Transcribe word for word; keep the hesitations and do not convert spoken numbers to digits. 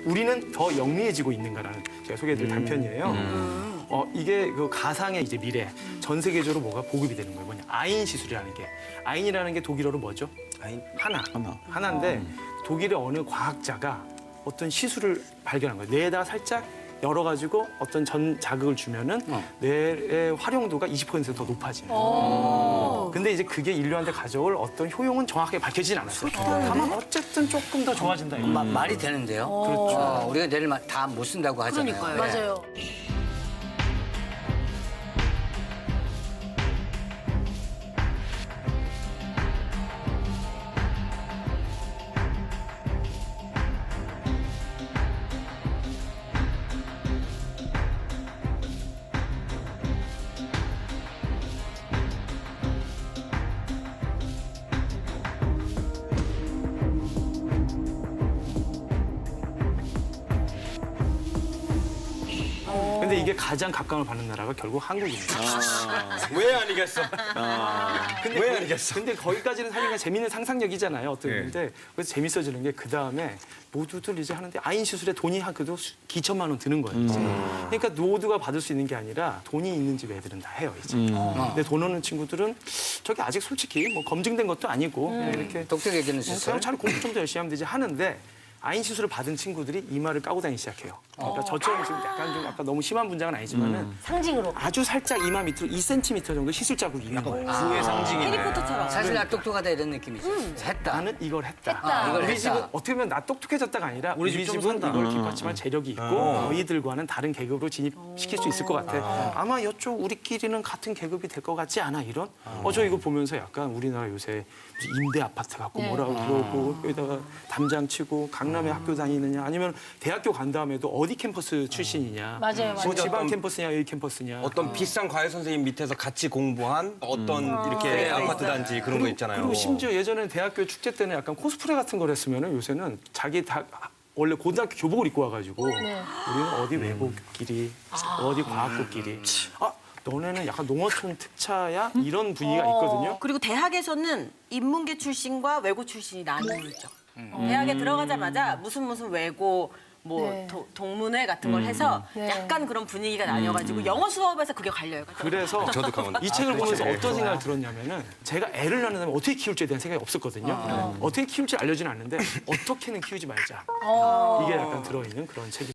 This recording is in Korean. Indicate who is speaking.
Speaker 1: 우리는 더 영리해지고 있는가라는 제가 소개해드릴 단편이에요. 어, 이게 그 가상의 이제 미래, 전 세계적으로 뭐가 보급이 되는 거예요. 뭐냐, 아인 시술이라는 게. 아인이라는 게 독일어로 뭐죠?
Speaker 2: 아인?
Speaker 1: 하나.
Speaker 3: 하나.
Speaker 1: 하나인데 독일의 어느 과학자가 어떤 시술을 발견한 거예요. 뇌에다가 살짝 열어가지고 어떤 전 자극을 주면은 뇌의 활용도가 이십 퍼센트 더 높아지는 거예요. 근데 이제 그게 인류한테 가져올 어떤 효용은 정확하게 밝혀지진 않았어요. 다만 어쨌든 조금 더 좋아진다. 이거예요.
Speaker 4: 마- 말이 되는데요.
Speaker 1: 그렇죠.
Speaker 4: 어, 우리가 뇌를 다 못 쓴다고 하잖아요.
Speaker 5: 그러니까요.
Speaker 4: 네.
Speaker 5: 맞아요.
Speaker 1: 근데 이게 가장 각광을 받는 나라가 결국 한국입니다.
Speaker 2: 왜 아니겠어?
Speaker 1: 근데
Speaker 2: 왜
Speaker 1: 거기-
Speaker 2: 아니겠어?
Speaker 1: 근데 거기까지는 사실 재밌는 상상력이잖아요. 어떤
Speaker 2: 네.
Speaker 1: 건데 그래서 재밌어지는 게 그 다음에 모두들 이제 하는데 아인 시술에 돈이 한 그래도 수- 기천만 원 드는 거예요. 이제. 그러니까 모두가 받을 수 있는 게 아니라 돈이 있는 집 애들은 다 해요 이제. 근데 돈 없는 친구들은 저기 아직 솔직히 뭐 검증된 것도 아니고 그냥 이렇게
Speaker 4: 독특해지는
Speaker 1: 그냥
Speaker 4: 시설.
Speaker 1: 잘 공부 좀 더 열심히 하면 되지 하는데. 아인 시술을 받은 친구들이 이마를 까고 다니기 시작해요. 그러니까 저처럼 지금 약간 좀 아까 너무 심한 분장은 아니지만은
Speaker 5: 상징으로.
Speaker 1: 아주 살짝 이마 밑으로 이 센티미터 정도 시술 자국이 있는 거예요.
Speaker 2: 부의 상징이네.
Speaker 5: 해리포터처럼.
Speaker 4: 사실 나 똑똑하다 이런 느낌이지. 했다.
Speaker 1: 나는 이걸 했다.
Speaker 5: 했다.
Speaker 4: 이걸
Speaker 1: 우리
Speaker 4: 했다.
Speaker 1: 집은 어떻게 보면 나 똑똑해졌다가 아니라 우리,
Speaker 2: 우리 집좀
Speaker 1: 집은
Speaker 2: 산다.
Speaker 1: 이걸 뒷받침할 재력이 있고 너희들과는 다른 계급으로 진입시킬 수 있을 것 같아. 아마 이쪽 우리끼리는 같은 계급이 될 것 같지 않아 이런? 어 저 이거 보면서 약간 우리나라 요새 무슨 임대 아파트 갖고 뭐라고 그러고 여기다가 담장 치고 강남에 학교 다니느냐 아니면 대학교 간 다음에도 어디 캠퍼스 출신이냐?
Speaker 5: 맞아요, 맞아요.
Speaker 1: 뭐 지방
Speaker 2: 어떤-
Speaker 1: 캠퍼스냐 여기 캠퍼스냐?
Speaker 2: 어떤 비싼 과외 선생님 밑에서 같이 공부한 어떤 이렇게 아파트 단지 그런 거 있잖아요.
Speaker 1: 그리고 심지어 예전에 대학교 축제 때는 약간 코스프레 같은 걸 했으면은 요새는 자기 다 원래 고등학교 교복을 입고 와가지고 우리는 어디 외고끼리 어디 과학고끼리 아 너네는 약간 농어촌 특차야 이런 분위기가 있거든요.
Speaker 6: 그리고 대학에서는 인문계 출신과 외고 출신이 나뉘죠. 대학에 들어가자마자 무슨 무슨 외고 뭐
Speaker 5: 네.
Speaker 6: 도- 동문회 같은 걸 해서
Speaker 5: 네.
Speaker 6: 약간 그런 분위기가 나뉘어가지고 영어 수업에서 그게 갈려요.
Speaker 1: 그래서
Speaker 2: 저도 강원-
Speaker 1: 이 책을
Speaker 2: 아,
Speaker 1: 보면서
Speaker 2: 그렇죠.
Speaker 1: 어떤 생각을 들었냐면은 제가 애를 낳는다면 어떻게 키울지에 대한 생각이 없었거든요. 어떻게 키울지 알려지는 않는데 어떻게는 키우지 말자. 이게 약간 들어있는 그런 책이